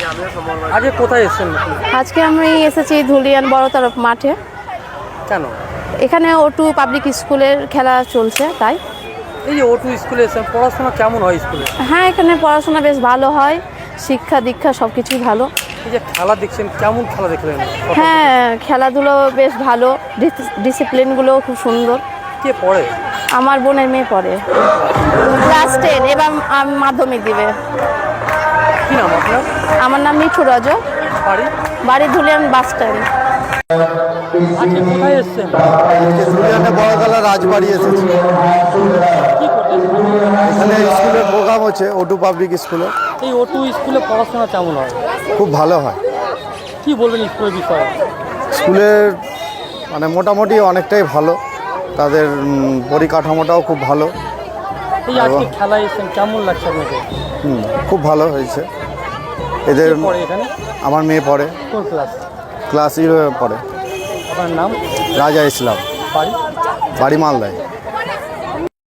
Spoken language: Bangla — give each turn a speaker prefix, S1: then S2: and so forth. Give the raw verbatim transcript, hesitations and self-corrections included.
S1: আজকে কোথায় এসেছেন?
S2: আজকে আমি এসেছি ধুলিয়ান বড় তরফ মাঠে।
S1: কেন?
S2: এখানে ওটু পাবলিক স্কুলের খেলা চলছে তাই।
S1: এই যে ওটু স্কুলে এসেছেন, পড়াশোনা কেমন হয় স্কুলে?
S2: হ্যাঁ, এখানে পড়াশোনা বেশ ভালো হয়, শিক্ষা দীক্ষা সব কিছুই ভালো।
S1: এই যে খেলা দেখছেন, কেমন খেলা দেখলেন?
S2: হ্যাঁ, খেলাধুলো বেশ ভালো, ডিসিপ্লিনগুলোও খুব সুন্দর।
S1: কে পড়ে?
S2: আমার বোনের মেয়ে পড়ে ক্লাস টেন, এবার আম- মাধ্যমিক দিবে।
S1: কি নাম আপনার?
S2: আমার নাম মিঠু রজ,
S1: বাড়ি?
S2: বাড়ি ধুলিয়ান বাস স্ট্যান্ড।
S1: আজকে কোথায় এসেছেন?
S3: ধুলিয়ানে বড়তলা রাজবাড়ি এসেছি।
S1: কি করতেন?
S3: এখানে স্কুলের প্রোগ্রাম হচ্ছে ওটু পাবলিক স্কুলে।
S1: এই ওটু স্কুলে পড়াশোনা কেমন হয়?
S3: খুব ভালো হয়।
S1: কি বলবেন স্কুলের বিষয়ে?
S3: স্কুলের মানে মোটামুটি অনেকটাই ভালো, তাদের উম, পরিকাঠামোটাও খুব ভালো।
S1: এই আজকে খেলায় এসেছেন, কেমন লাগছে আপনাকে?
S3: হুম খুব ভালো হয়েছে। এদের
S1: কে পড়ে এখানে?
S3: আমার মেয়ে পড়ে,
S1: কোন ক্লাস?
S3: ক্লাস ইলেভেন পড়ে।
S1: আপনার নাম?
S3: রাজা ইসলাম,
S1: বাড়ি?
S3: বাড়ি মালদায়।